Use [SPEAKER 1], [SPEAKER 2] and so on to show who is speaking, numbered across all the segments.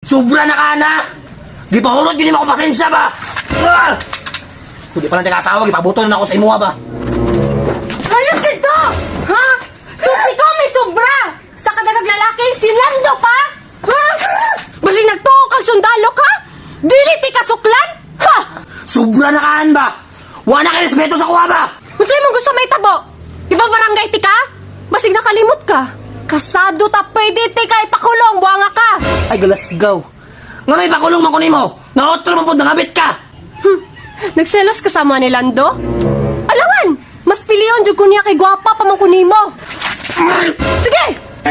[SPEAKER 1] Sobra na ka na! Gipahulot yun ako pasensya ba? Hindi pa lang nag-asawa, gipabuton na ako sa imuha ba?
[SPEAKER 2] Ayos dito! Ha? So, ikaw may sobra! Sa kadagang lalaki, silando pa? Ha? Basi nagtuo kang sundalo ka? Dili ti kasuklan? Ha?
[SPEAKER 1] Sobra na kaan ba? Wala ka respeto sa kuha ba?
[SPEAKER 2] Kung sa'yo mong gusto may tabo, ibang barangay ti ka? Basig nakalimot ka. Kasado ta pwede ti ka ipakulong, buwanga ka.
[SPEAKER 1] Ay, galasgaw. Nga may pakulong man kunin mo. Naotro mo po, nangabit ka.
[SPEAKER 2] Nagselos kasama ni Lando? Alangan! Mas piliyon dyan kunya kay gwapa pa man kunin mo. Sige!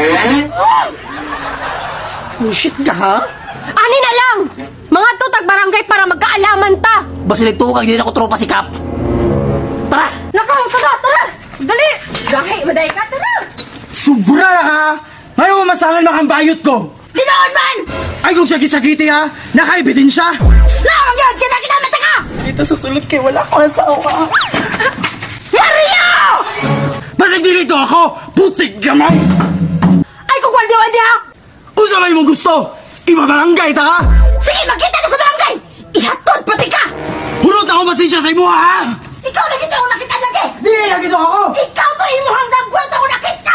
[SPEAKER 1] Bullshit ka, ha?
[SPEAKER 2] Ani na lang! Mga tutag barangay para magkaalaman ta!
[SPEAKER 1] Basilig tukag, hindi na ako tropa si Kap. Tara!
[SPEAKER 2] Nakaw, tara! Dali! Gahi, maday ka, tara!
[SPEAKER 3] Sobra na ka! Ngayon masangan makambayot ko!
[SPEAKER 2] Dinoon man!
[SPEAKER 3] Ay kung sakit-sakiti ha! Nakaibidin siya!
[SPEAKER 2] Nawag yun! Kinakita ka!
[SPEAKER 3] Dito susulot kay wala ko asawa!
[SPEAKER 2] Mario!
[SPEAKER 3] Basig dito ako! Putik ka man!
[SPEAKER 2] Ay, kung waldi-waldi ha!
[SPEAKER 3] Usa may mong gusto! Ibabarangay ta ka!
[SPEAKER 2] Sige, magkita ka sa barangay! Ihatod pati ka!
[SPEAKER 3] Hurot ako masensya sa imuha ha!
[SPEAKER 2] Ikaw na dito ang nakita lagi!
[SPEAKER 3] Di na dito ako!
[SPEAKER 2] Ikaw to imuhang nagkwento ko nakita!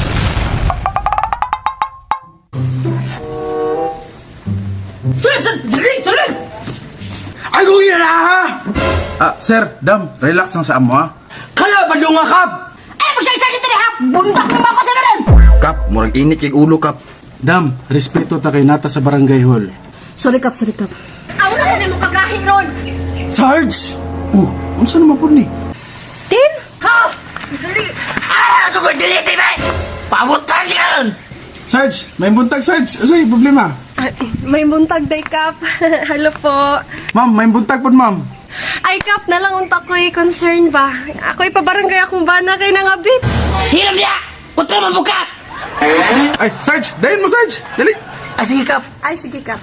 [SPEAKER 2] Sulit!
[SPEAKER 3] Ay kung ina na ha! Sir, Dam, relax lang sa amo ha. Kala ba nga kap?
[SPEAKER 2] Ay, magsagsalit na ha! Bundak mo ba ako sa meron?
[SPEAKER 4] Kap, murag init kay ulo, Kap.
[SPEAKER 3] Dam, respeto ta kay nata sa barangay hall.
[SPEAKER 2] Sorry, Kap. Ako na sa mong kagahin ron!
[SPEAKER 3] Sarge! Unsa naman po ni?
[SPEAKER 2] Tin? Ha? Dali!
[SPEAKER 1] Ah! Ako ko diliti ba? Pabutan yan!
[SPEAKER 3] Sarge, may buntag Sarge. Asay, problema?
[SPEAKER 2] May buntag day, Kap. Hello po.
[SPEAKER 3] Ma'am, may buntag po ma'am.
[SPEAKER 2] Ay, Kap, nalang unta ko'y concern ba? Ako'y pabarangay akong bana kay nangabit.
[SPEAKER 1] Hiram niya! Putra mo buka!
[SPEAKER 3] Ay, Sarge, dahin mo Sarge. Dali.
[SPEAKER 1] Ay, sige, Kap.
[SPEAKER 2] Ay, sige, Kap.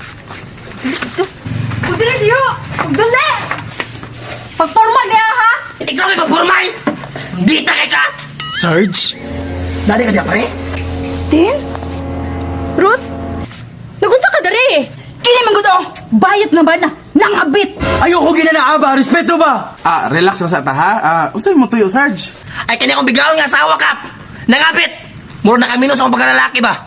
[SPEAKER 2] Dali, diyo! Dali! Pagporma niya, ha?
[SPEAKER 1] Ikaw may pagformal! Dita kay ka!
[SPEAKER 3] Sarge?
[SPEAKER 1] Dali ka diya, pre?
[SPEAKER 2] Tin? Ruth? Nagunsa ka dari eh. Kini man gusto. Bayot na ba na? Nangabit.
[SPEAKER 3] Ayoko ginanaa ba? Respeto ba? Relax lang sa ta ha. Usay mo tuyo, Sarge.
[SPEAKER 1] Ay, kanya kong biglaon nga asawa, Kap! Nangapit! Muro na kami sa akong pagkalalaki ba?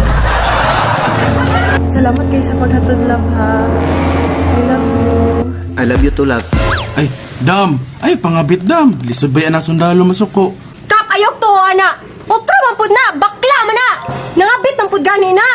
[SPEAKER 5] Salamat kayo sa paghatod, love, ha? I love you.
[SPEAKER 4] I love you too, love.
[SPEAKER 3] Ay, Dam. Ay, pangabit Dam. Lisod ba yan ang sundalo masuko?
[SPEAKER 2] Kap, ayok to, ana. Utro man pud na. Bakla man na. Nangabit man pud gani na.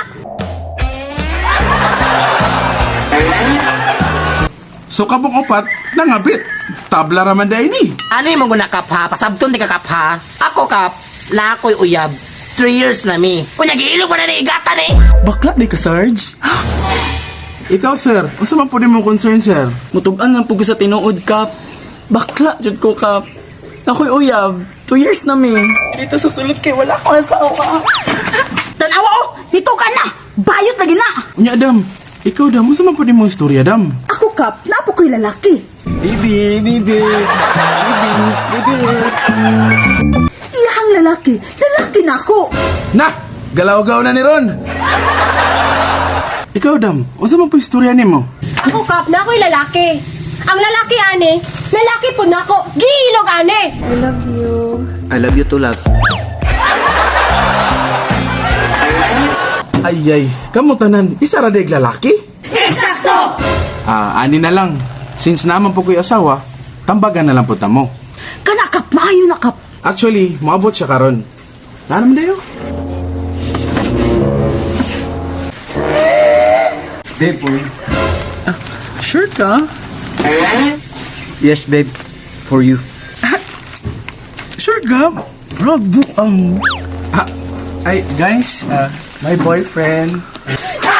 [SPEAKER 3] So kabong upat, nangabit. Tabla raman day ni.
[SPEAKER 1] Ano yung mga Kap, ha? Pasabton di ka, Kap, ha? Ako, Kap, na ako'y uyab. 3 years na mi. Kung nag-iilog pa na naigatan eh.
[SPEAKER 3] Bakla di ka, Sarge? Ikaw, sir. Unsa man po din mong concern, sir?
[SPEAKER 6] Mutugan lang po ko sa tinuod, Kap. Bakla, jud ko, Kap. Ako'y uyab. 2 years na mi. Dito susulot kay wala ko asawa.
[SPEAKER 2] Tanawa oh. Nito ka na. Bayot lagi na.
[SPEAKER 3] Unya, Dam. Ikaw, Dam. Unsa man po din mong istorya, Dam?
[SPEAKER 2] Ako, Kap. Napo ko'y lalaki.
[SPEAKER 6] Baby.
[SPEAKER 2] Iyahang lalaki. Lalaki na ako.
[SPEAKER 3] Na! Galaw-gaw na ni Ron. Ikaw, Dam. Unsa man po istorya nimo?
[SPEAKER 2] Ako, Kap. Na ako'y lalaki. Ang lalaki, ane. Lalaki po na ako. Giilog, ane.
[SPEAKER 5] I love you.
[SPEAKER 4] I love you too, love.
[SPEAKER 3] Ay, kamo tanan. Isa ra dayeg lalaki?
[SPEAKER 2] Eksakto!
[SPEAKER 3] Ani na lang. Since naman po ko'y asawa, tambagan na lang po tamo.
[SPEAKER 2] Kana, Kap. Maayo na, Kap.
[SPEAKER 3] Actually, maabot siya karon. Naman dayo? Babe, boy. Sure ka?
[SPEAKER 4] Yes, babe. For you.
[SPEAKER 3] Sure ka? Ay, guys, my boyfriend.